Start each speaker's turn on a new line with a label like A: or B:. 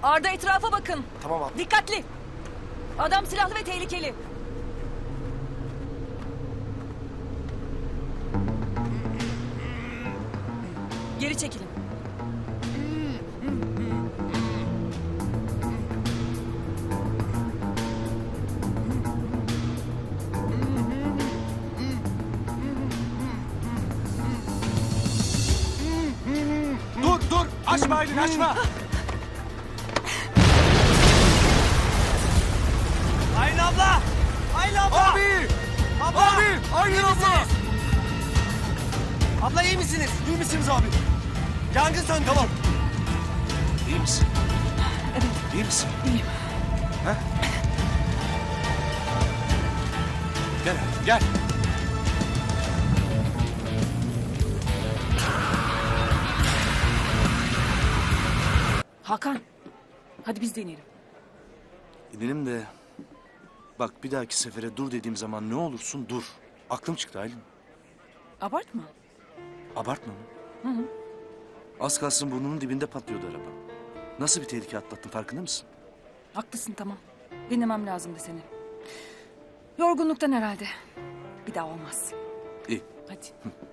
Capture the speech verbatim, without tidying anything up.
A: Arda, etrafa bakın.
B: Tamam abi.
A: Dikkatli. Adam silahlı ve tehlikeli. Geri çekilin.
B: Dur dur. Açma elini açma.
C: Aylin abla! Aylin abla!
B: Abi.
C: Abla!
B: Abi. Aylin
C: İyi
B: abla.
C: misiniz? Abla iyi misiniz?
B: İyi misiniz abi?
C: Yangın söndü.
B: Tamam. İyi misin?
A: Evet,
B: İyi misin?
A: iyiyim.
B: Ha? Gel abi, gel.
A: Hakan, hadi biz de inelim.
B: İnelim de bak bir dahaki sefere dur dediğim zaman ne olursun dur. Aklım çıktı Aylin.
A: Abartma.
B: Abartma mı? Hı hı. Az kalsın burnunun dibinde patlıyordu araba. Nasıl bir tehlike atlattın farkında mısın?
A: Haklısın, tamam. Dinlemem lazımdı seni. Yorgunluktan herhalde. Bir daha olmaz.
B: İyi.
A: Hadi.